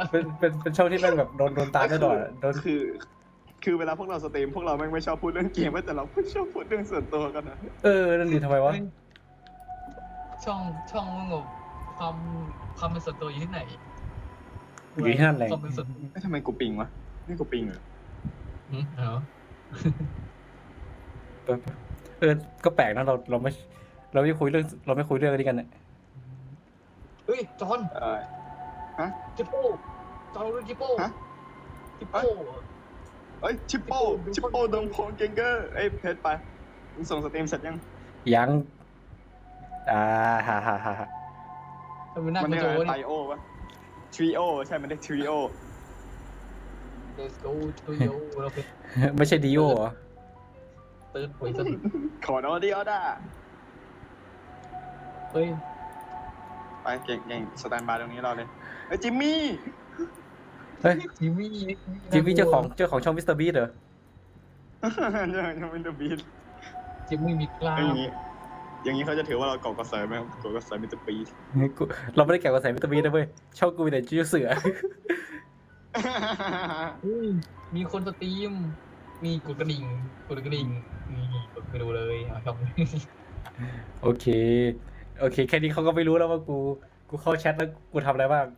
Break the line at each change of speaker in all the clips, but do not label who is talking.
เป็นช่องที่แม่งแบบโดนตามตลอดโดน
คือเวลาพวกเราสตรีมพวกเราแม่งไม่ชอบพูดเรื่องเกมแต่เราชอบพูดเรื่องส่วนตัวกันนะ
นั่นดีทำไมวะ
ช่องมึงแบบความเป็นส่วนตัวอยู่ที่ไหน
อยู่ที่นั่นแหละ
ความเป็นส่วน
ทำไมกูปิงวะนี่กูปิงเหรอ
เหรอ
ก็แปลกนะเราไม่คุยเรื่องนี้กันเนี่ย
เฮ้ยจอน
ฮะ
จิปโป้จอนรู้จิปโป้
ฮะ
จิปโป้
เอ้ยชิปโป้ดงโพงเกงเกอร์เอ้ยเพชรไปมึงส่งสตรีมเสร็จยัง
ยังฮ่า
ทำไมหน้า
มัน
กระ
เรียก
โจ
อะไร
น
ไทโอวะทริโอใช่มันเรียกทริโอ
Let's go to you เราเป็น
ไม่ใช่ดิโอเหรอ
ตื่นหวยซะ
ขอโนดีออด้า
เฮ้ย
ไปเก่งสแตนบายตรงนี้เราเลยเอ้ยจิมมี่
เฮ้ย
จิมมี่
เจ้าของช่องมิสเตอร์บีสเหรอ
ยังเป็นเดอะบีท
จิมมี่มีกล้า
อย่างนี้เขาจะถือว่าเราเกาะกระแสไหมเกาะกระแสมิสเตอร์บีท
เราไม่ได้แก่กว่าแสนมิสเตอร์บีสนะเว้ยช่องกูมีแต่จิ้วเสือ
มีคนสตรีมมีกดกระดิ่งมีกดไปดูเลยครับ
โอเคแค่นี้เขาก็ไม่รู้แล้วว่ากูเข้าแชทแล้วกูทำอะไรบ้าง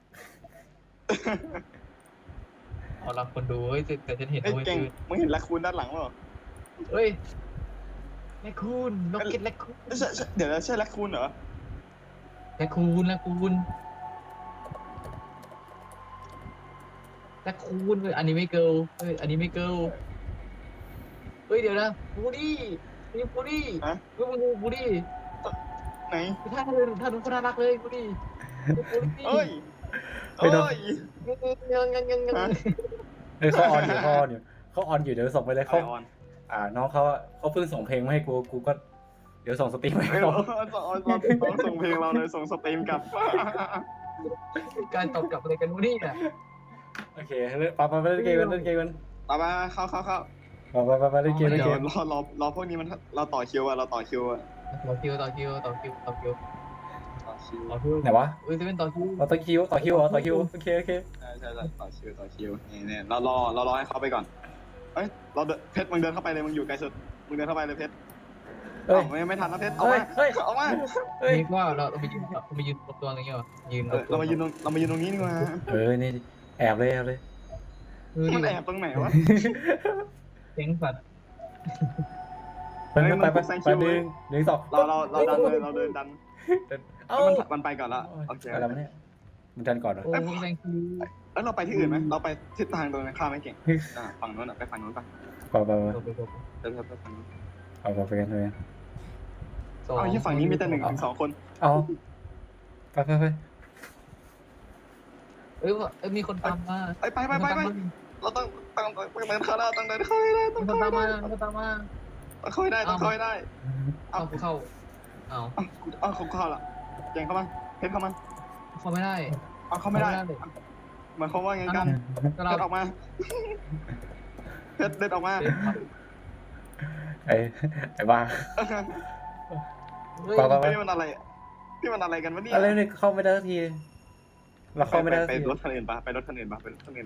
เอาละคนดูเฮ้ยแต่ฉันเห็น
เอ้ย
ด้วย
เก่ง
คือ
มึงเห็นแรคคูนด้านหลังเปล่า
เฮ้ยแลคคูนล็อกเก็ตแลคคูน
เดี๋ยวใช่แรคคูนเหรอ
แลคคูนเฮ้ยอันนี้ไม่เกิลเฮ้ยอันนี้ไม่เกิลเฮ้ยเดี๋ยวนะบูดี้นี่บูดี้
ฮะ
เฮ้ยมึงดูบูดี้
ไหน
ท่าดูคนน่ารักเลยบูดี้บูดี้
เอ้ย
ไม่โดน
ยัง
เฮ้ยเขาออนอยู่เดี๋ยวส่งไปเลย
เขา
เขา
ออน
น้องเขาเพิ่งส่งเพลงมาให้กูก็เดี๋ยวส่งสตรีมให้
เฮ้ย
เขา
เราส่งเพลงเราเลยส่งสตรีมกลับ
การตอบกลับอะไรกันบูดี้อ่ะ
โอเคไปเล่นเกมกัน
ต่อมาเข้า
ไปเล่นเกม
รอพวกนี้มันเราต่อคิวอะ
ต่อคิว
ไหนวะ
เฮ้ยจะเป็นต่อคิว
ต่อคิวเหรอต่อคิวโอเค
ใช่ต่อคิวนี่เรารอให้เขาไปก่อนเอ้ยเพชรมึงเดินเข้าไปเลยมึงอยู่ไกลสุดมึงเดินเข้าไปเลยเพชร
เฮ้ย
ไม่ทันนะเพชรเอา
เฮ้
มาย
นี่ว่าเราไปยืนตัวอะไรเงี้ยยืน
เรามายืนตรงนี้ดีกว่า
นี่แอบเลย
มันแอบตรงไหนวะ
เซ็งสัตว์
ไป1 2
เราเดินดัน มันไปก่อนละโอเค
อะไรวะเนี่ยมันดันก่อนเหรอ
โอ้ยแรงคิว
แล้วเราไปที่อื่นไหมเราไปทิศทางตรงนั้นข้ามไม่เก่งฝั่งโน้นไปฝั่งโน้นไป
ไป
เดินไปฝั่งโน้น
ไปกันเลย
เอาที่ฝั่งนี้มีแต่1 ถึง 2 คน
เอาไป
เอ้ยมีคนตามมา
ไปเราต้องเดินเข้าได้ต้องเดินเข้าได้
มีคนตามมา
ต้องเข้าได้
เอาเข้าเอา
เขาเข้าละเก่งเข้ามาเพชรเข้ามา
เข้าไม่ได้
เอาเข้าไม่ได้หมายความว่าไงกัน
ก็
เพ
เรา
ชรออกมาเพชรเดินออกมา
ไอ้บ้า
นี่มันอะไรกันวะเนี่ย
อะไรเนี่ยเข้าไม่ได้ทีเราเข้าไม่ได้
ไปรถคันอื่นปะไปรถคันอื่นปะ
ไป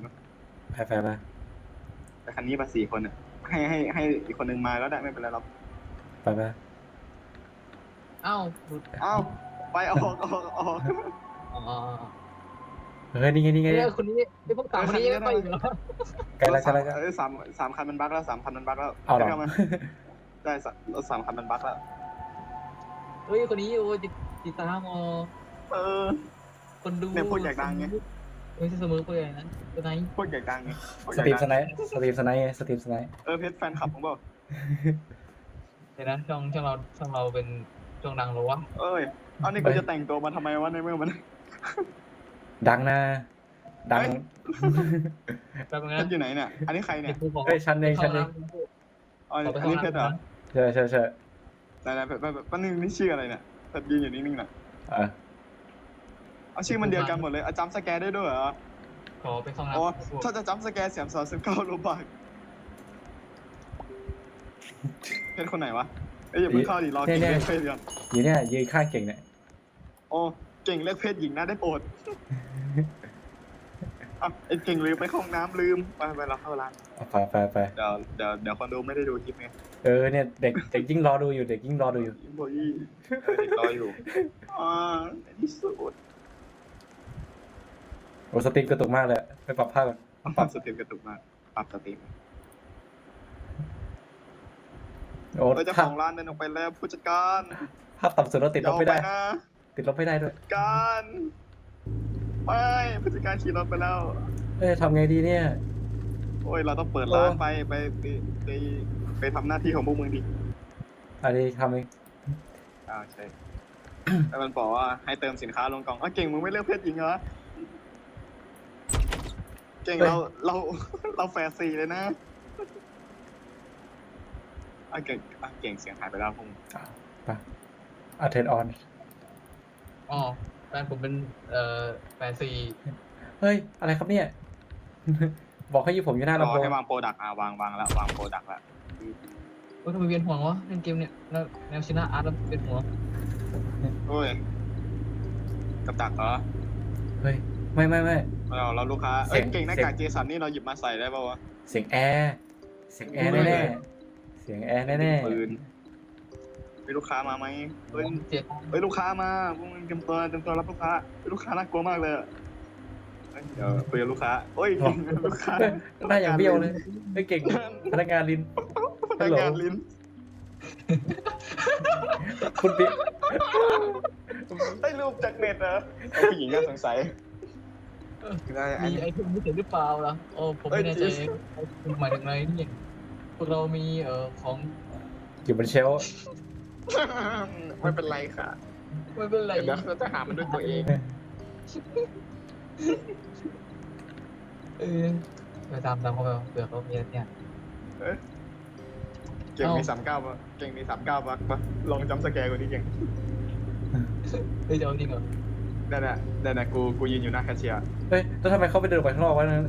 ไปคันนี้มา4 คนอ่ะให้อีกคนนึงมาก็ได้ไม่เป็นไรหรอก
ไป
เอ้า
ไปออก
อ๋อ
เฮ้ยนี่ไง
คนนี้ไอ้พวกต่างคนนี้ยังไปอยู่เหรอ
ไกลแล้ว
สามคันมันบั๊กแล้ว3 คันมันบั๊กแล้ว
เอาหรอ
ได้รถ3 คันมันบั๊กแล้ว
เฮ้ยคนนี้โอ้ติดตามคนดู
เนี่ยพูดอยากดังไง
ไม่ใช่เสมอไปอย่างนั้นตัวไหน
พูดอยากดังไง
สตรีมสไนป์
เพชรแฟนคลับผมบอก
เดี๋ยวนะช่องเราเป็นช่องดังหรอวะ
เอ้ยเอานี่กูจะแต่งตัวมาทำไมวะในเมื่อมัน
ดังนะดัง
แป๊บนึง
เพ
นะ
ชรอยู่ไหนเนี่ยอันนี้ใครเนี่ย
เฮ้ยชั้นเอง
อันนี้เพชรเหรอ
ใช่
ไหนๆป้านึงนี่ชื่ออะไรเนี่ยเพชรยืนอยู่นิ่งๆน่ะ เอาชื่อมันเดียวกันหมดเลยจำสแกนได้ด้วยเหรอ
ขอไปเข้า
อ๋อ
น้ำ
ถ้าจะจำสแกน19 โลบาทเพชรคนไหนวะอย่าเพิ่งเข้าดิรอเก่งเลือกเพศก่อน
อยู่เนี่ยยืนข้างเก่งเนี่ย
โอ้เก่งเลือกเพศหญิงนะได้โปรดอ่ะไอ้เก่งลืมไปเข้าห้องน้ำลืมไปเราเข้าร้าน
ไป
เดี๋ยวคนดูไม่ได้ดูคลิปไง
เนี่ยเด็กยิ่งรอดูอยู่เด็กยิ่งรอดูอยู่
อิมโบยี่เด็กรออยู่ในที่สุด
โอ้สตรีมกระตุกมากเลยไปปรับภาพก่อน
ปรับสตรีมกระตุกมากปรับสตรีม
โอ้
เจ้าของร้านเดินออกไปแล้วผู้จัดการ
ภาพต่ำสุดเราติดลบไม่ได้
นะ
ติดลบไม่ได้ด้วย
การไม่ผู้จัดการขี่รถไปแล้ว
ทำไงดีเนี่ย
โอ้ยเราต้องเปิดร้านไปทำหน้าที่ของพวกมึงดิ
อันนี้ทำเอง
ใช่ แล้วมันบอกว่าให้เติมสินค้าลงกล่องเก่งมึงไม่เลือกเพศหญิงเหรอเก่งเราแฟร์ซีเลยนะเก่งเสียงหายไปแล้วพง
ไปเทนออน
อ๋อแฟนผมเป็นแฟนซี
เฮ้ยอะไรครับเนี่ย บอกให้อยู่ผมอยู่หน้า
รอ
ลำโพง
ให้วางโปรดักต์วางแล้ววางโปรดักต์แล้ว
ว่าทำไมเวียนหัววะเล่นเกมเนี่ยแล้วแนวชนะอาร์ตแล้วเวียนหัว
โอ้ยกับดักเหรอ
เฮ้ยไม่
เราลูกค้า
เสียง
เก่งหน้ากากเจสันนี่เราหยิบมาใส่ได้ป่าวะ
เสียงแอร์แน่ๆเสียงแอร์แน่
ปืนมีลูกค้ามาไหมเฮ้ย
เจ็ด
ลูกค้ามาพวกมึงเตรียมตัวรับลูกค้าลูกค้าน่ากลัวมากเลยเดี๋ยวคุยกับลูกค้าโอ้ยลูกค้า
ๆหน้าอย่างเบี้ยวเลยเฮ้ยเก่งพนักงานลิน
พนักงานลิ้น
คุณปิ๊ก
ได้รูปจากเน็ตเหรอผู้หญิงน่าสงสัยได้อัน
มี
นี้
ไอเทมพิเศษหรือเปล่าล่ะโอ้ผมไม่แน่ใจคุณหมายถึงอะไรนี่พวกเรามีของ
อยู่บนเชลฟ์
ไม่เป็นไรค่ะ
ไม่เป็นไร
เดี๋ยวเราจะหามันด้วยตัวเอง
ไปตามเขาไปเผื่อเขามีอะไรเนี่ย
เก่งมี39ป่ะเก่งมี39ป่ะลองจำสแกร์กูดิเก่ง
เฮ้ยจะเอาจริงเหรอ
ได้นะกูยืนอยู่หน้าแคชเชียร์
เฮ้ยแล้วทำไมเขาไปเดินออกไปข้างนอกวะนั้น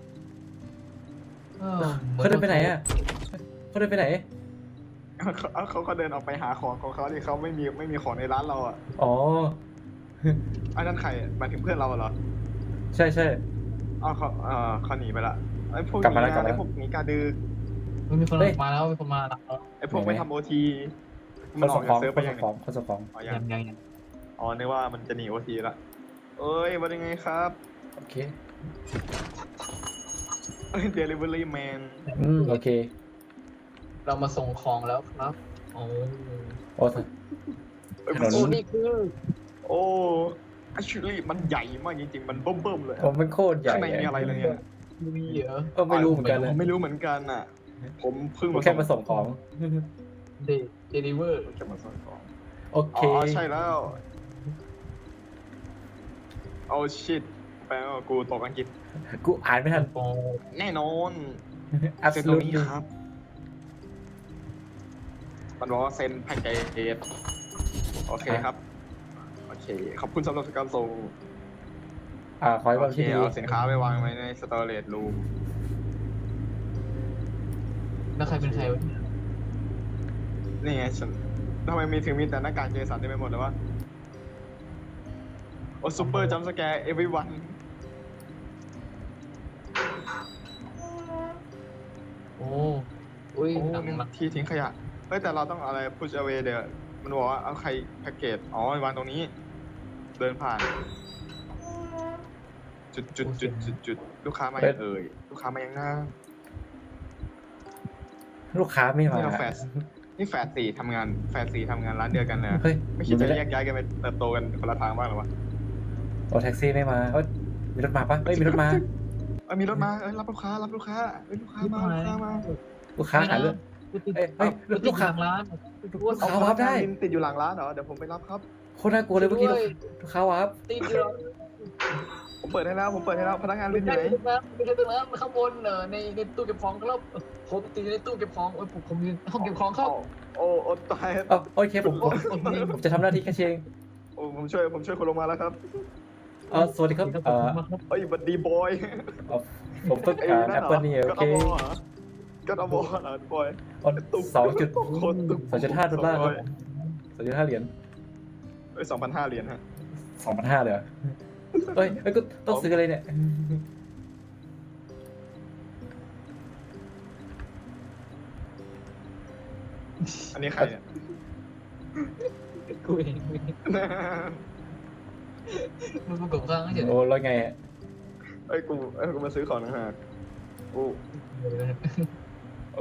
เขาเดินไปไหนอ่ะเขาเดินไปไหน
เขาเดินออกไปหาของของเขาที่เขาไม่มีของในร้านเราอ่ะ
อ๋อ
อันนั้นใครหมายถึงเพื่อนเราเหรอ
ใช่
เขาหนีไปละไอ้พวก
กลับมาแล้ว
ไอ้พวกหนีกาดือ
มีคนมาแล้วมีคนมาแล้ว
ไอ้พวกไม่ทำโอที
ค
มัน
น
อ
ส่
อก
งข
จา
อก ง
เซิร์ฟ
ค
ไป
น
ยั
ส่
ง
งของคนส่งของ
อ๋อ
ยั
ยัง
ง
อ๋อนึกว่ามันจะหนีโอทีละเอ้ยว่ายังไงครับ
โอเค
เดลิเวอรี่แมน
โอเค
เรามาส่งของแล้วครับโอ้
โอ้ ถนน
โอ้นี่คือ
โอ้actually มันใหญ่มากจริงๆมันเบิ่มๆเลย
ผมเป็นโคตรใหญ่
ข้างในมีอะไรเลยเนี่ย
มีเหรอ
ก็ไม่รู้เหมือนกันเลย
ผมไม่รู้เหมือนกันอ่ะ ผมเพิ่ง
ผมแค่มาส่งของ
เดลิเวอร์
แค่มาส่งของ
โอ
อ๋
เค
อใช่แล้วโอ้ชิตแปลว่ากูตกอังกฤษ
กูอ่านไม่ทัน
โอ้
แน่นอน
อัพ
เซ็น
ลู
ตรง
ด
นี้ครับ มันบอกว่าเซ็นแพ็กเกจโอเคครับ โอเค ขอบคุณสำหรับการส่ง
ขอให้
โอ
ความ
เค
ที่ดี
เอาสินค้าไปวางไว้ในสตอเรจรูม
แล้วใครเป็นใครวะ
นี่ไงฉันทำไมมีแต่หน้ากากเจสันได้ไปหมดเลยวะโอ้ซูเปอร์จัมสแกร์ everyone
โอ้อุ้ย
โอ้
หนังหลัง
ที่ทิ้งขยะ เฮ้ยแต่เราต้องอะไร push away เดี๋ยวมันบอกว่าเอาใครแพ็กเกจ อ๋อวางตรงนี้ เดินผ่าน จุดลูกค้ามายังเอ่ย ลูกค้ามายังหน้า
ลูกค้าไม่มา
นี่เราแฟดนี่แฟดสี่ทำงานร้านเดียวกันเลย
เฮ้ย
ไม่คิดจะแยกย้ายกันไปเติบโตกันคนละทางบ้างหรอวะ
โอ้แท็กซี่ไม่มาเอ้ยมีรถมาปะเฮ้ยมีรถมา
มีรถมารับลูกค้าลูกค้ามา
ลูกค้าหาเรื่อง
ลูกค้าร้าน
ลูกค้าวาร์ปได้
ติดอยู่หลังร้านเหรอ เดี๋ยวผมไปรับครับ
โคตรน่ากลัวเลยเมื่อกี้ลูกค้าวาร์ป
ติดอยู่
ผมเปิดให้แล้วพนักงานลินอยู่ไหน
ไม่ใช่ตรงนั้นข้างบนในตู้เก็บของครับผมติดในตู้เก็บของโอ้ยผมอยู่ห้องเก็บของครับ
โอ้ตาย
โอเคผมจะทำหน้าที่แค่เชง
โอ้ผมช่วยคนลงมาแล้วครับ
สวัสดีครับ
เอ้ยบัดดีบอย
ผมต้องการแอปเปิลนี่โอเค
ก็เอาบอเหรอบอย
2.5 ดอลลาร์ครับ2.5 เหรียญ
2,500 เหรียญฮะ
2,500เลยเฮ้ยก็ต้องซื้ออะไรเนี่ย
อันนี้ใครเนี่ย
กูเองมึงกูกดข้างเฉย
โอ้แล้วไงอะ
เอ้ยกูมาซื้อของนะฮะกู
โอ้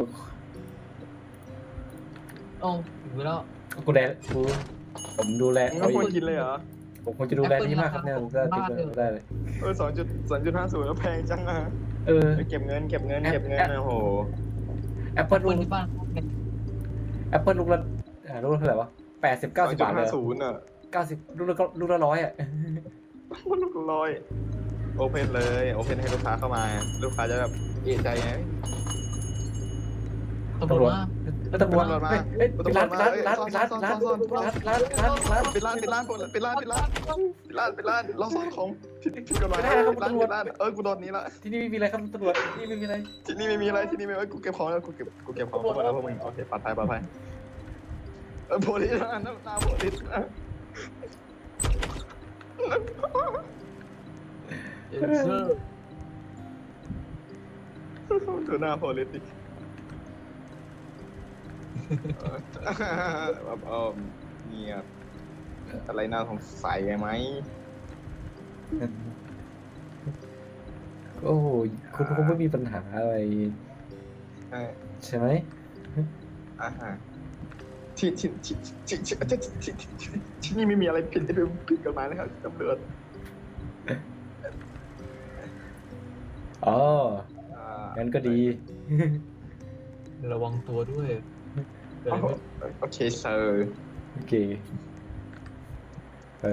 โอ้ถึงแล้ว
กูแดกูผมดูแล
มึง
เขา
ไม่ควร
อีก
กินเลยเหรอ
ผมควรจะดูแลนี่มากครับเนี่ยผมก็ติดได้เลย
2.50แล้วแพงจังอะ
เออ
เก็บเงินโอ้โห
แอปเปิล
ค
ลู
น
ก
ที่บ้าน
แอปเปิลลูกละลูกละเท่าไหร่วะ80-90 บาทเลย
2.50อ่ะ
90ลูกละ100อ่ะ
มันลูกลอยโอเพนเลยโอเพนให้ลูกค้าเข้ามาลูกค้าจะแบบเอะใจไง
ตำรวจมา
แล้วตำรวจ
ตำรวจมา
เอ้ย
ตำรวจมา
ร้าน
ซ่อน
ร้าน
ซ่อน
ร้าน
ซ่อน
ร้านร้านร้านร้าน
ปิดร้านเราซ่อนของผิดกฎหมายกูโดนนี้ละ
ที่นี่ไม่มีอะไรครับตำรวจที่นี่ไม่มีอะไร
ที่นี่ไม่มีอะไรที่นี่ไม่กูเก็บของแล้วกูเก็บของทั้งหมดแล้วพวกมึงโอเคปลอดภัยโพลิสน้ำตาโพลิส
เออเซอร์
ดูหน้าโพลิสดิแบบเงียบอะไรน่าสงสัยไหม
โอ้โหคุณคงไม่มีปัญหาอะไรใช่ไหม
ที่นี่ไม่มีอะไรผิดกฎหมายนะครับตำรวจ
อ๋องั้นก็ดี
ระวังตัวด้วยเกิดอะไรขึ้น
โอเคเซอร์
โอเคไป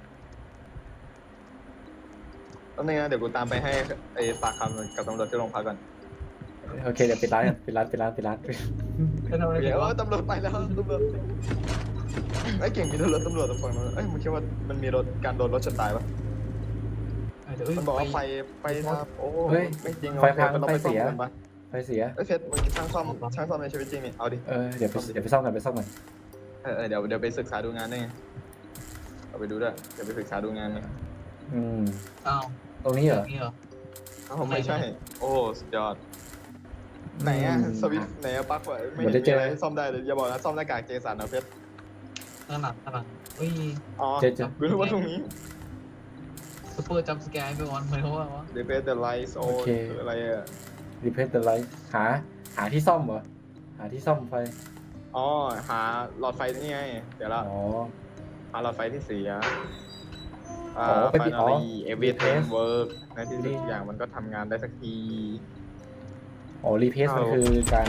แล้วนี่นะเดี๋ยวกูตามไปให้ไอ้ปากคำกับตำรวจที่โรงพักก่อน
โอเคเดี๋ยวปิดร้านกันปิดร้าน
แล้วทำอะไร
เดี๋
กั
ย
น
ว
วะ
ตำรวจไปแล้วตำรวจไอ้เก่งมีรถตำรวจตรงฝั่งนั้นเอ้ยมึงคิดว่ามันมีการโดนรถชนตายปะ มันบอกว่าไฟครับโอ้ไม่จริงเราไปซ่อมกันปะ
ไฟเสีย
เอ้ยเพชรมึงช่างซ่อมในชีวิตจริงนี่เอาดิ
เดี๋ยวไปซ่อมกัน
เดี๋ยวไปศึกษาดูงานได้ไงเอาไปดูด้วยเดี๋ยวไปศึกษาดูงานเนี่ย
อ้าว
ตรงนี้เหรอ
นี่เหรอ
อ้าวไม่ใช่โอ้สุดยอดไหนอะสวิตไหนอะปลั๊กวะไม่เห็นมีอะไรซ่อมได้เลยอย่าบอกนะซ่อมหน้ากากเจสันนะเพชร
ข้างหลังเฮ้ย
อ๋อกูรู้ว่าตรงนี้
ซุปเปอร์จัมป์สแกร์ไปก่อนหมายความว่าวะ
Replace the lights โอ้คืออะไรอะ
replace the light หาที่ซ่อมเหรอหาที่ซ่อมไฟ
อ๋อหาหลอดไฟนี่ไงเดี๋ยวละ
อ๋อ
หาหลอดไฟที่เสีย
ไปปิดอ๋อ
finally everything work ในที่สุดทุกอย่างมันก็ทำงานได้สักที
อ๋อ replace มันคือการ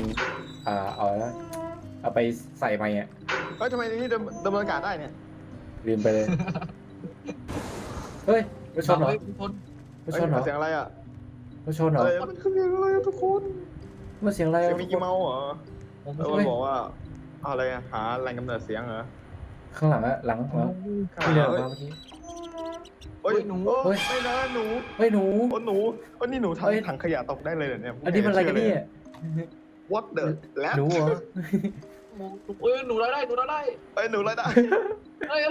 เอาไปใส่ใหม่อ่ะ
เฮ้ยทำไมนี่ดำเนินการได้เนี่ย
ลืมไปเลย เฮ้ยรถชนเหรอ
เฮ้ยทุกคน
รถชนเหรอ
เสียงอะไรอะ
รถชนเหรอ
มันคือเสียงอะไรอะทุกคน
มันเสียงอะไร
เสีย
อ่ะ
งมิกกี้เมาส์เหรอ
ผม
แล้วมันบอกว่าอะไรอะหาแหล่งกำเนิดเสียงเหรอ
ข้างหลังอะหลังที่เดินออกมาเมื่อกี้
เฮ้ยหนูไม่นะหนู
เฮ้ยหนู
โอ้หนูโอ้นี่หนูถังขยะตกได้เลยเนี่ย
อันนี้มันอะไรกันเนี่ย
What the แล้ว
หนูเหรอ
เอ้ยหนูได้
เอ้ยหนูอะไรได้
เฮ้ย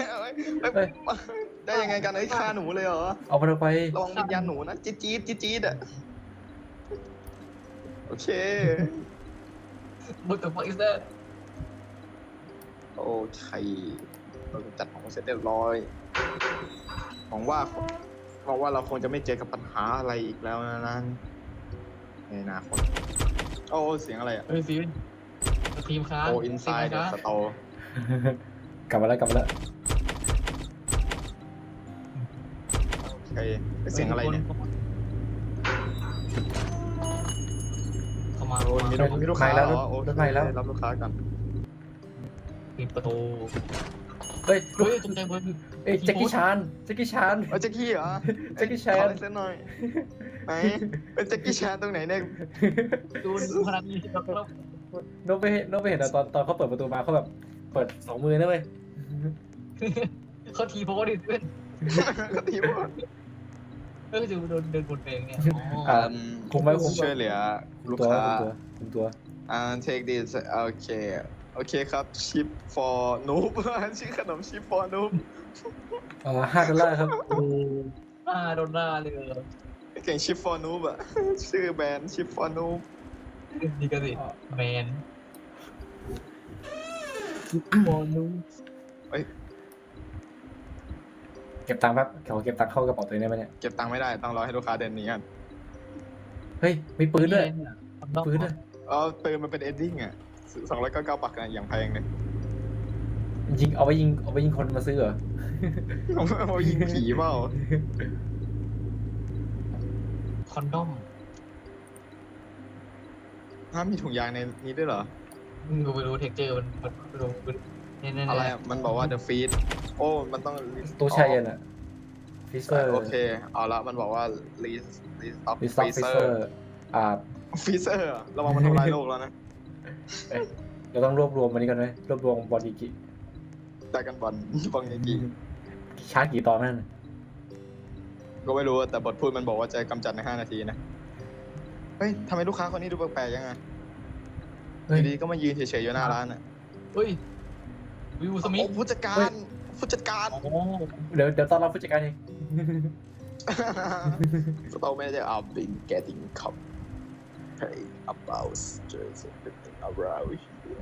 ได้ยังไงกันไอ้ฆ่าหนูเลยเหรอ
เอามันออกไประ
วังวิญญาณหนูนะจี๊ดอะโอเค
What the fuck is that
โอเคเราจัดของเสร็จเรียบร้อยหวังว่าเราคงจะไม่เจอกับปัญหาอะไรอีกแล้วนะนั่นในอนาคตโอ้เสียงอะไรอ่ะ
เฮ้ยซีนทีมค้า
โอ้อินไซด์สโต
กลับมาแล้ว
โอเคเสียงอะไรเนี่ย
เข้ามา
โอ้มีลูกค้าแล้วโอเครับลูกค้ากัน
ปิดประตู
เฮ้ย
เฮ้ยตกใจเบิร์ด
เอ้ยแจ็คกี้ชาน
แจ็คกี้เหรอ
แจ็คกี้แชน
ขอลายเส้นหน่อยไหนเป็นแจ็คกี้แชนตรงไหนเนี่ย
ดูขนาดนี้แล้ว
โน้ตไปเห็นอะตอนเขาเปิดประตูมาเขาแบบเปิด2 มือนะเว้ย
เขาทีโพสดิเพื่อน
ก็ทีว่า
เออจะโดนเดินบนเองเนี่ย
คุมไว้
ช่วยเหลือลูก
ตัว
ค้า
คุมตัว
take this โอเคครับ ship for noob ชื่อขนม ship for noob
$5ครับ
โดนหน้าเลย
เก่ง ship for noob อ่ะ ชื่อแบรนด์ ship for noob
ดีกันสิแมนมอนู
เก็บตังค์แป๊บขอเก็บตังค์เข้ากระเป๋าตัวเองได้ไหมเนี่ย
เก็บตังค์ไม่ได้ต้องรอให้ลูกค้าเดินหนีกัน
เฮ้ยมีปืนด้วย
คอนดอม
ปืนด้วย
ปืนมันเป็นเอนดิ้งอ่ะ299 บาทอย่างแพงเลย
ยิงเอาไปยิงคนมาซื้อเหรอ
เอายิงผีเปล่า
คอนดอม
มีถุงยางในนี้ด้วยเหรอ
กูไปรู้เท็กเจอร์มันดูเนี่ย
อะไรอะมันบอกว่า the feed โอ้ มันต้อง
ตู้แช่เย็นอะฟิเซอร์
โอเค เอาละ มันบอกว่า list of
รีสต็อกฟิเซอ
freezer
ร์อ่า
freezer อะระวังมันทำลายโลกแล้วนะ
เอ้ยเราต้องรวบรวมมันนี้กันไหมรวบรวมบอดี้กิ
ได้กันบอลฟังอย่างนี้
ชาร์จกี่ตอนนั่นน่ะ
ก็ไม่รู้แต่บทพูดมันบอกว่าจะกำจัดใน 5 นาทีนะ เฮ้ยทำไมลูกค้าคนนี้ดูแปลกๆยังไง
เฮ้ย
ดีๆก็มายืนเฉยๆอยู่หน้าร้านอ่ะ
เฮ้ยวิวสมิธ
โอ้ผู้จัดการผู้จัดการ
โอ้
เดี๋ยวต้อนรับผู้จัดการเอง
Store manager I've been getting complaint about just everything around here.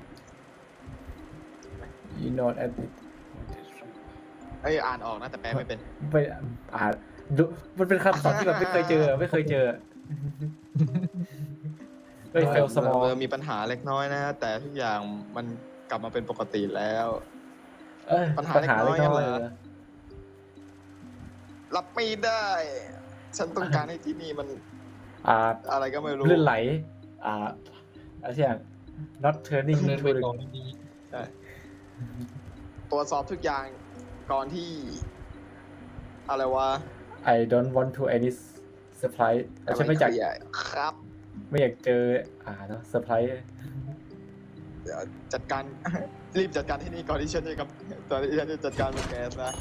you know at
เอ้ยอ่านออกนะแต่แปลไม่เป็น
ไปอ่านดูมันเป็นคำศัพท์ที่แบบไม่เคยเจอเฮ้ยเฟลสมอล
มีปัญหาเล็กน้อยนะ แต่ทุกอย่างมันกลับมาเป็นปกติแล้ว ปัญหาเล็กน้อย
เล็ก
เหรอ รับไม่ได้ ฉันต้องการให้ที่นี่มัน
อ่า
อะไรก็ไม่รู้
ลื่นไหลอะไรอย่าง not turning
เดิน
into
ไป
the
ก่อนดี
ใช่ตรวจสอบทุกอย่างก่อนที่ อะไรวะ
I don't want to any surprise ฉันไม่อยาก
เคลียร์ครับ
ไม่อยากเจอเนอะเซอร์ไพรส์
เดี๋ยวจัดการ รีบจัดการที่นี่ก่อนที่ฉันจะกับตอนที่ฉันจะจัดการมันแก๊สนะ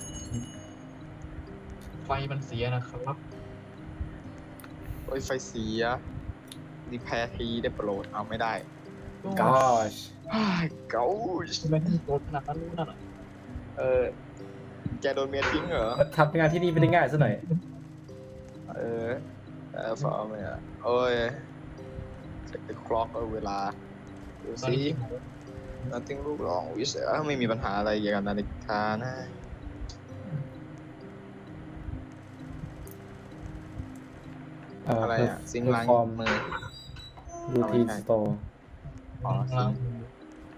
ไฟมันเสียนะครับ
โอ้ยไฟเสียรีแพร์ทีได้โปรดเอาไม่ได้
gosh
เก้า
ทำไมถึงโดนขนาดนั้นรู้นั่นอ่ะ
แกโดนเมียทิ้งเหรอ
ทำงานที่นี่ไม่ได้ง่ายซะหน่อย
ฟอร์มเนี่ยโอ้ยเช็คคล็อกเวลาดู
ตอน
สิ
นี้
nothing ลูกรองวิเศษไม่มีปัญหาอะไรเกี่ยวกับนาฬิกานะอะไรอ่ะซิงล้าง
perform
มือ
routine store
อ๋อซิ
ล้าง
ง
มือ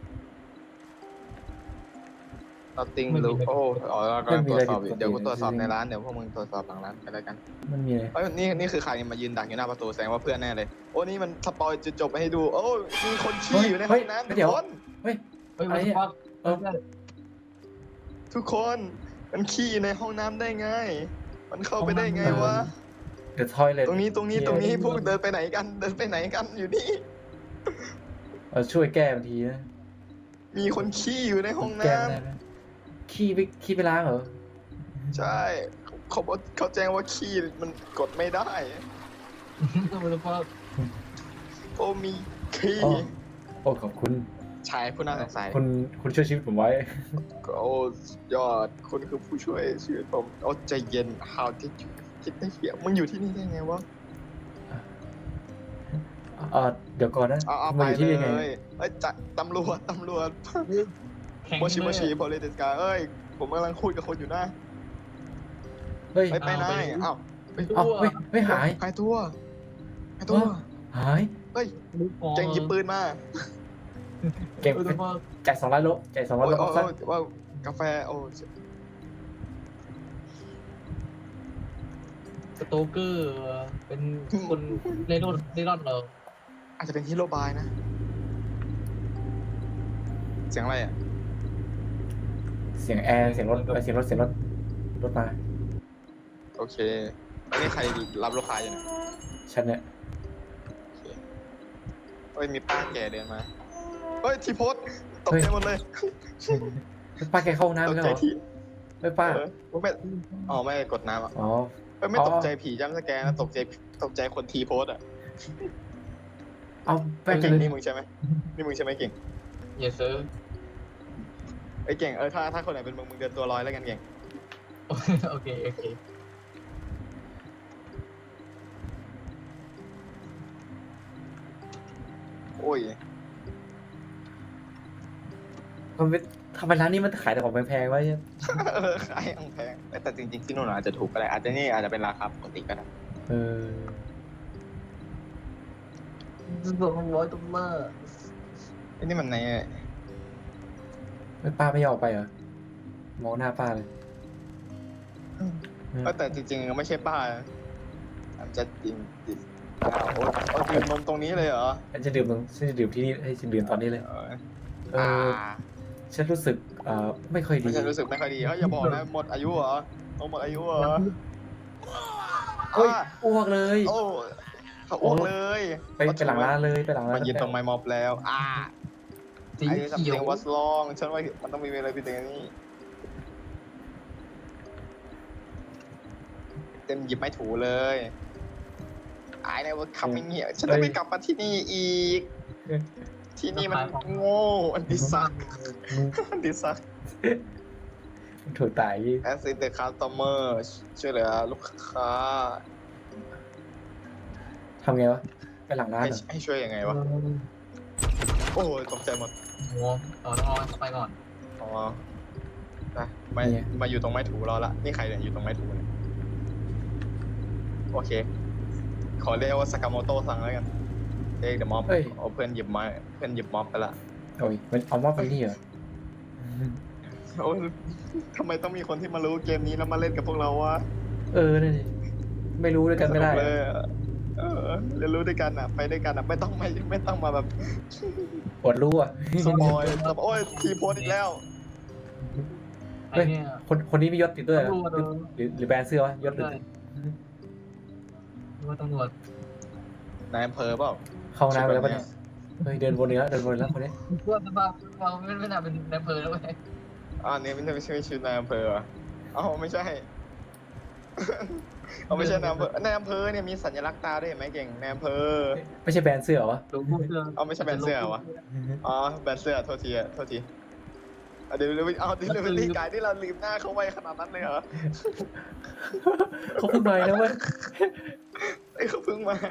nothing
ไม่มี
ลูกโอ้เรากำลังตรวจสอบอยู่
ไม่มีอะไรผิดปกติ
เดี๋ยวกูตรวจสอบในร้านเดี๋ยวพวกมึงตรวจสอบหลังร้านกันแล้วกัน
มันมีอะไร
เอ้ยนี่คือใครมายืนดักอยู่หน้าประตูแสดงว่าเพื่อนแน่เลยโอ้นี่มันสปอยจุดจบไปให้ดูโอ้มีคนขี้อยู่ในห้องน้ำทุกคน
เฮ้ย
เฮ้ย
อะไร
มัน
เนี่ย
ฟัก
เออ
ทุกคนมันขี้ในห้องน้ำได้ไง มันเข้าไปได้ไงวะ
the toilet
ตรงนี้พวกเดินไปไหนกันอยู่นี่
ช่วยแก้บางทีนะ
มีคนขี้อยู่ในห้อง
แก้
น้ำ
ไม่ได้นะขี้ไปล้างเหรอ
ใช่เขาแจ้งว่าขี้มันกดไม่ได้
มันฟัก
โอ้มีขี้
อ๋อ โอ้ขอบคุณ
ชายผู้น่าสงสัย
คุณช่วยชีวิตผมไว้
โอ้ยอดคุณคือผู้ช่วยชีวิตผมโอ้ใจเย็น how did you คิดได้เหี้ยมึงอยู่ที่นี่ได้ไงวะ
เดี๋ยวก่อนนะ
เอา
มา
ไป
อยู่ที่
เล
นี่ไง
ยเอ้ยจัดตำรวจ
แข็ง
โมชิ
เลย
โมชิโพลิติสกาเอ้ย ผมกำลังคุยกับคนอยู่นะ
เฮ้ย
ไปไหนอ้าว
เอาไม่หาย
หายตัว
หาย
เฮ้ย
ลูกคอ
เก่งหยิบปืนมา
เก่ง
มันฟัก
จ่าย200 โลจ่าย200 โล
โอ้
ซะ
ว่ากาแฟโอ้
สโตเกอร์เป็นคนเล่ร่อนเหรอ
อาจจะเป็นฮีโร่บายนะ เสียงอะไรอ่ะ
เสียงแอร์เสียงรถรถมา
โอเคอันนี้ใครรับลูกค้าอยู่เนี่ย
ฉันเนี่ย
โอเคเฮ้ย มีป้าแก่เดินมา เฮ้ย ทีโพสตกใจหมดเลย
ป้าแกเข้าห้องน้ำ
ต
ไป
ก
แล้ว
ใจ
เหรอ
ที
ไม่ป้า
ไม่อ๋อไม่กดน้ำอ่ะ
อ๋อ
ไม่
อ๋อ
ตกใจผีจ้ำสแกนนะตกใจคนทีโพสอ่ะ
เอาแป้ง
เก่ง
เลย
นี่มึงใช่ไหมเก่ง
เยสเซอร์
ไอ้เก่งถ้าคนไหนเป็นมึงเดินตัวลอยแล้วกันเก่ง
โอเค
โอ้ย
ทำไมร้านนี้มันขายแต่ของแพงๆวะเนี่ย
ขายอังแพงแต่จริงๆที่นู่นอาจจะถูกก็ได้อาจจะนี่อาจจะเป็นราคาปกติก็ได้
เออ
$200
ไอ้นี่มันใน
ไม่ป้าไม่ยอมออกไปเหรอ มองหน้าป้าเลย
แต่จริงๆไม่ใช่ป้าอาจจะจริงดื่มนมตรงนี้เลยเหรอ
ฉันจะดื่มที่นี่ให้ฉันดื่มตอนนี้เลย เออ ฉันรู้สึกไม่ค่อยดี
ไม่ใช่รู้สึกไม่ค่อยดีอย่าบอกนะหมดอายุเหรอหมดอายุเหรอ
เฮ้ยอ้วกเลย
โอ้เขาอ้วกเลย
ไปหลังร้านเลยไปหลังร้าน
มันยืนตรงไม้ม็อบแล้ว
สี
ไอ้สัม
เขีย
เสี
วย
งวัสลองฉันว่ามันต้องมีอะไรพิเศษนี้เต็มหยิบไม้ถูเลยไอ้เนี่ยว่าคำไม่เงี้ยฉันจะไม่กลับมาที่นี่อีก ที่นี่มันโง่อันดิซักอันดิซัก
ถูกตาย
Assist the customer ช่วยเหลือลูกค้า
ทำไงวะ ไปหลังร้านเหรอ
ให้ช่วยยังไงวะ โอ้ยตกใจหมด
หัวต้องรอไปก่อน
อ๋อนะมาอยู่ตรงไม้ถูรอละนี่ใครเนี่ยอยู่ตรงไม้ถูเนี่ยโอเค ขอเรียกว่าสากาโมโตะสั่งแล้วกันเด็กเดอะม็อบเอาเพื่อนหยิบไม้เพื่อนหยิบม็อบไปละ
โอ้ยมันเอาว่าไปนี่เหรอ
โอ้ยทำไมต้องมีคนที่มารู้เกมนี้แล้วมาเล่นกับพวกเราวะ
เออนั่นดิไม่รู้ด้วยกันไม่ได้
สนุเลยเรียนรู้ด้วยกันอ่ะ ไปด้วยกันอ่ะ ไม่ต้องมาแบบ
ปวดรู้อ่ะ
สปอยแบบโอ้ยทีโพสอีกแล้ว
ไอ้เนี่ย
คนนี้มียศติดด้วยเหรอ
ตำรวจ
หรือแบรนด์เสื้อวะยศหรือ
ว่าตำรวจ
นายอำเภอเปล่า
เข้าน้ำไปแล้วปะเนี่ยเฮ้ยเดินวนเนื้อเดินวนแล้วคนนี้
ว่าสภาพเราไม่น่าเป็นนายอำเภอแล้วเว้ย
นี่ไม่ใช่ชื่อนายอำเภอเหรอไม่ใช่ ไม่ใช่นายอำเภอนายอำเภอเนี่ยมีสัญลักษณ์ตาด้วยเห็นไหมเก่งนายอำเภอ
ไม่ใช่แบรนด์เสื้อเหรอวะ
โลโก้เสื้อ
ไม่ใช่แบรนด์เสื้อวะแบรนด์เสื้อโทษทีเดี๋ยวรีกายที่เราลืมหน้าเขาไว้ขนาดนั้นเลยเหรอ
เขาเพิ่งมาแล้วเว้ย
เขาเพิ่งมา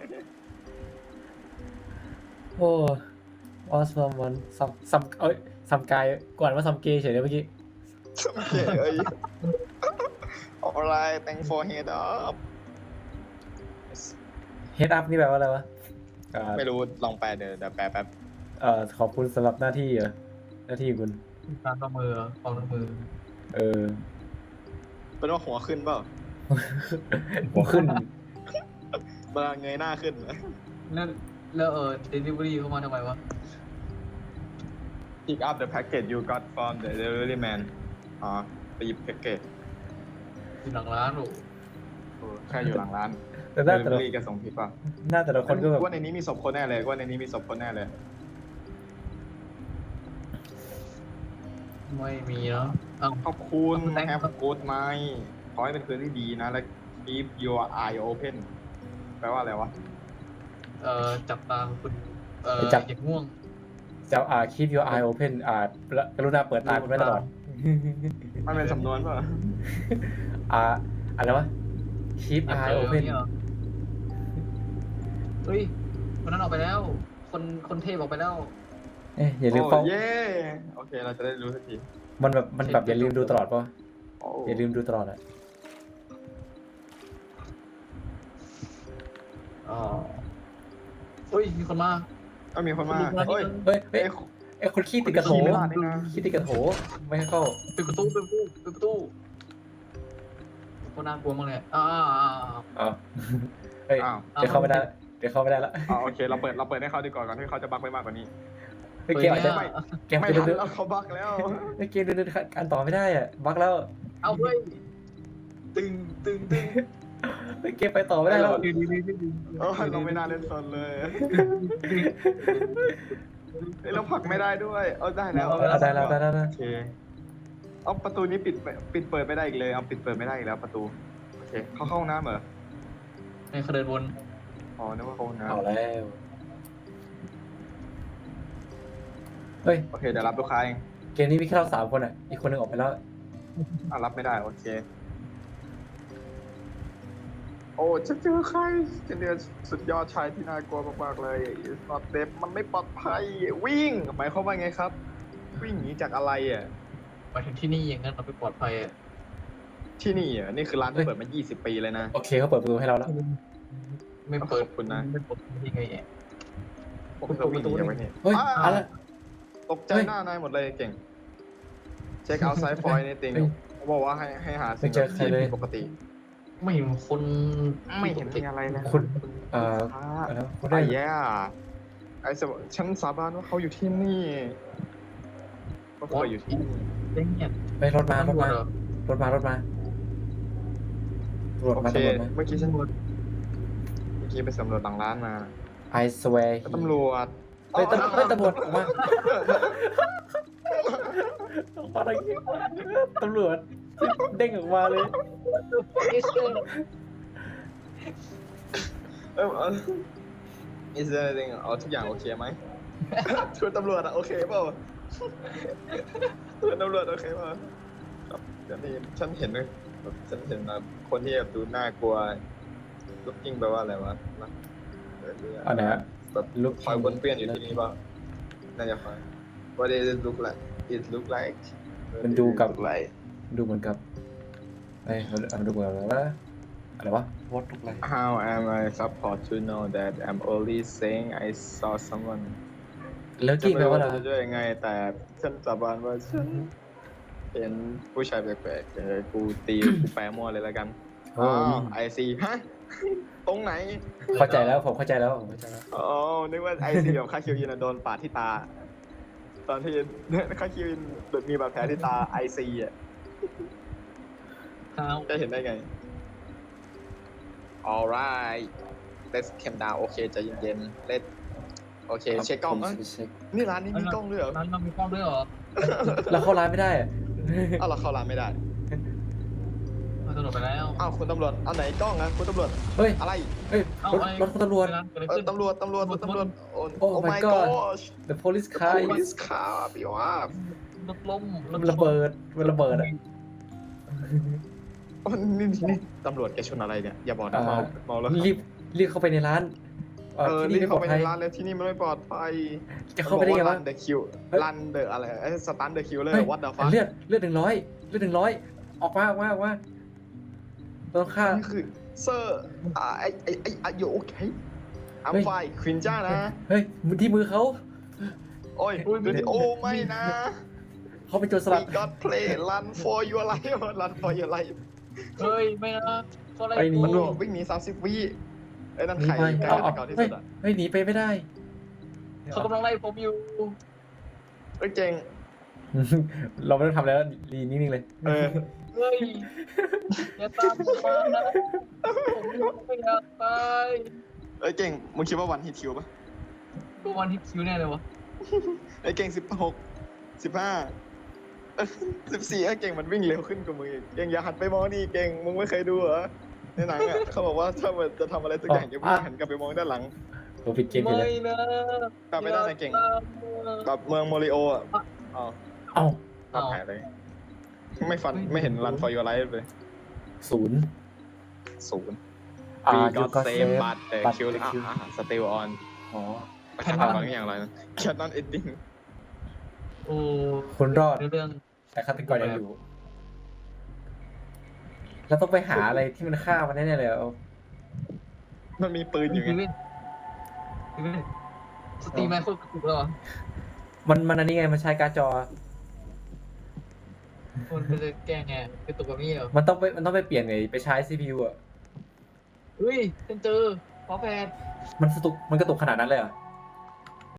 โอ้ออสมอนซัมกายก่อนว่าซัมเกย์เฉยเลยเมื่อกี้
โอเคalright thank for head up
Head up นี่แปลว่าอะไรวะ
ไม่รู้ลองแปลเดี๋ยวแปลแป๊บ
ขอบคุณสำหรับหน้าที่หน้าที่คุณ
การประมือความประมือ
เป็นว่าหัวขึ้นเปล่า
หัวขึ้น
เวลาเงยหน้าขึ้น
แล้วdelivery เข้ามาทำไมวะ
pick up the package you got from the delivery man ไปหยิบแพ็กเกจ
อยู่หลังร้านหรอ
แค่อยู่หลังร้าน
แต่หน้า
delivery ก็ส่งผิดป่ะ
หน้าแต่ละคนก็แบบ
ว่าในนี้มีศพคนแน่เลยว่าในนี้มีศพคนแน่เลย
ไม่มีเนาะอ้าว
ขอบคุณ
ขอบคุณ
Have a good night ขอให้เป็นคืนที่ดีนะ และ keep your eye open แปลว่าอะไรวะ
จับตาคุณอย่างง่วง
จะkeep your eye open กรุณาเปิดตาคุณไว้ตลอด
มันเป็นสำนวนป่ะ
อะไรวะ keep eye open
เฮ้ยคนนั้นออกไปแล้ว คนเทพออกไปแล้ว
อย่าลืมเฝ้า
เย้โอเคเราจะได้รู้สักที
มันแบบอย่าลืมดูตลอดป่ะ
โอ้
อย่าลืมดูตลอดอ่ะ
เฮ้ยมีคนมา
ก็มีคนมาเฮ้ย
เฮ้ยไอ้คนขี้ติดกระโถ
ขี้ไม่รอดนี่นะ
ขี้ติดกระโถไม่ให้เข้า
ปิดประตูคนน่ากลัวมากเลย
อ้าวเฮ้ย
อ้าว
เดี๋ยวเข้าไม่ได้ละ
โอเคเราเปิดให้เขาดีก่อนที่เขาจะบักไปมากกว่านี้
เฮ้ยเกมอาจจะ
ไม่
เกม
ไม่
จะ
ทัน
เดิน
แล้วเขาบักแล้ว
เกมเดินการต่อไม่ได้อ่ะบั๊กแล้ว
เอาเฮ้ยตึง
เกมไปต่อไม่ได้แล้ว
เราไม่น่าเล่นซนเลยเราผลักไม่ได้ด้วยได้แล้ว
ได้แล้ว
โอเคเอาประตูนี้ปิดเปิดไม่ได้อีกเลยเอาปิดเปิดไม่ได้อีกแล้วประตูโอเคเขาเข้าห้องน้ำเหรอ
ในเขาเดินวน
นึกว่าเข้าห้องน้
เอาแล้วเฮ้ย
ำโอเคเดี๋ยวรับลูกค้าเอง
เกมนี้มีแค่เรา3 คนอ่ะอีกคนหนึงออกไปแล้ว
รับไม่ได้โอเคโอ้ฉันเจอใครฉันเจอสุดยอดชายที่น่ากลัวมากๆเลย It's not safe มันไม่ปลอดภัยวิ่งหมายความว่าไงครับวิ่งหนีจากอะไรอ่ะ
มาถึงที่นี่อย่างนั้นเราไปปลอดภัยอ่ะ
ที่นี่อ่ะนี่คือร้านที่เปิดมา 20 ปีเลยนะ
โอเคเขาเปิดประตูให้เราแล้ว
ไม่เปิด
ขอบคุณนะ
ไม่เปิดยังไงอ่ะ
ผมจะวิ่งหนีจากไว้เนี่ย
เฮ้ยอะไร
ตกใจ
เฮ้ย
หน้านายหมดเลยเก่ง เช็คเอาไซฟอยในติง
เฮ้ย
เขาบอกว่าให้หา
ไม่เจอใครเลย
ผิดปกติ
ไม่เห็นคน
ไม่เห็นมีอะไรเลย
คุณอะไรวะคุณได้
ไอ้แย่ไอ้สมฉันสาบานว่าเขาอยู่ที่นี่ว่าเขาอยู่ที่นี่
เด้งเนี่ย
ไปรถมารถมา
เหรอ
รถมารถมาตำรวจ
โอ
มา
เค
ตำรวจมา
เมื่อกี้ฉันไปสำรวจหลังร้านมา
I swear
ตำรวจ
เฮ้ยตำรวจออกมาออกมาอะไรเงี้ยตำรวจเด้งออกมาเลย
is there anything เอาทุกอย่างโอเคไหม ชวนตำรวจอะโอเคเปล่าชวนตำรวจโอเคเปล่าครับเดี๋ยวนี้ฉันเห็นเลยแบบฉันเห็นแบบคนที่แบบดูน่ากลัว looking แปลว่าอะไรวะนะ
อันไหนฮะ
แบบ
Look
คอยวนเปี้ยนอยู่ที่นี่เปล่าน่าจะคอย What does it look like It look like
มันดูกับ
Look like
ดูเหมือนกับเอ้ยมันดูเหมือนอะไรวะอะไรวะ What look like
How am I supposed to know that I'm only saying I saw someone
แล้ว
ฉัน
กิ้งแปล
ไม่รู้
ว่า
ว่า
อะไร
จะช่วยยังไง แต่ฉันสาบานว่าฉันเห็นผู้ชายแปลกๆกูตี กูแปลมั่วเลยแล้วกัน
โอ้
ไอซีฮะ ตรงไหน
เข้าใจแล้วผมเข้าใจแล้วผมเข้าใจแล้ว
อ๋อ นึกว่าไอซีแบบคาคิวยินโดนปาดที่ตา ตอนที่คาคิวยินมีบาดแผลที่ตาไอซีอ่ะ
ข้าว
จะเห็นได้ไง alright let's calm down โอเคใจเย็นๆ let's โอเค เช็คกล้อง
ผม
เอ้ย
จะเช็ค
นี่ร้านนี้มีกล้องด้วยเหรอ
ร้านเรามีกล้องด้วยเหรอ
แล้วเข้าร้านไม่ได้อะ
อ้าวเราเข้าร้านไม่ได้
เราตำรวจไปแล้ว
อ้าวคุณตำรวจเอาไหนกล้องนะคุณตำรวจ
เฮ้ย
อะไร
เฮ้ยรถคุณตำรวจ
ตำรวจโอ้
Oh my
my
god
gosh
The police car is
police car พี่ว่า
รถล้ม
มันระเบิดมันระเบิดอ่ะ
นี่ตำรวจแกชนอะไรเนี่ย อย่าบอกนะเมาแล้ว
รีบเข้าไปในร้าน ที่
รี
นี่
บ
ไม่ปล
เข้า
อด
ไป
ภั
ใน
ย
ร้านเลยที่นี่มันไม่ปลอดภัย
จะเข้าไปได้ไงวะ
รันเดอะคิว
เฮ้ย
รันเดอะอะไรสตันเดอะคิวเลย
เฮ้ย
วัดเดอะฟัค
เลือด100ออกมาต้องฆ่า
นี่คือเซอร์ไอโยโอเคอัม
เฮ้ย
ไฟควินจ้านะ
เฮ้ยมือที่มือเขา
โอ้ยโอ้ไม่นะ
เขาเป็นโจรสลัด
We got play run for your life run for your life
เฮ้ยไม่นะก็อะไร
ไปหนี
มันบอกวิ่งหนี30 วิไอ้นั่น
หนี
ไข่
ไป
ไก่
เอา
ก่อนที่
เฮ้
สุ
ย
ดอ่ะ
เฮ้ยหนีไปไม่ได้
เขากำลังไล่ผมอยู่
เอ้ยเจ๋ง
เราไม่ต้องทำแล้วดีนิ่งๆเลย
เฮ้ยอย่าตามผมมานะผมไม่อยากตาย
เอ้ยเก่งมึงคิดว่าวันฮิตคิวปะ
ตัววันที่คิวแน่เลยวะ
ไอ้เก่ง16 15 14ไอ้เก่งมันวิ่งเร็วขึ้นกว่ามึงอีกเก่งอย่าหันไปมองนี่เก่งมึงไม่เคยดูเหรอในหนังอ่ะ เขาบอกว่าถ้ามันจะทำอะไรสักอย่างอย่าเพิ่งหันกลับไปมองด้านหลัง
ผมผิดเกมไป
ไม่
เลย
นะ
กลับไปด้านไหนเก่งแบบเมืองโมริโออ่ะอ๋อ
เอ้า
ภาพหายเลยไม่เห็นรัน for your life เลย
0
0
อ่า
We
you
got
got
save
saved
but the
but
kill
the kill
still on
อ๋อ
ไปทำบางอย่างไรนะ cannot ending
โอ้
คนรอด
เรื่อง
แต่ฆาตกรยังอยู่เราต้องไปหาอะไรที่มันฆ่ามันแน่ๆเลยเอา
มันมีปืนอยู่ไง
พี่เว้นสตรีมแมนโคตรกระตุกแล้วเหรอ
มันอันนี้ไงมันใช้การ์ดจอ
มันจะแก้ไงกระตุกแบบนี้เหรอ
มันต้องไปเปลี่ยนไงไปใช้ CPU อ่ะ
เฮ้ยฉันเจอขอแพท
มันกระตุกขนาดนั้นเลยเหรอ่ะ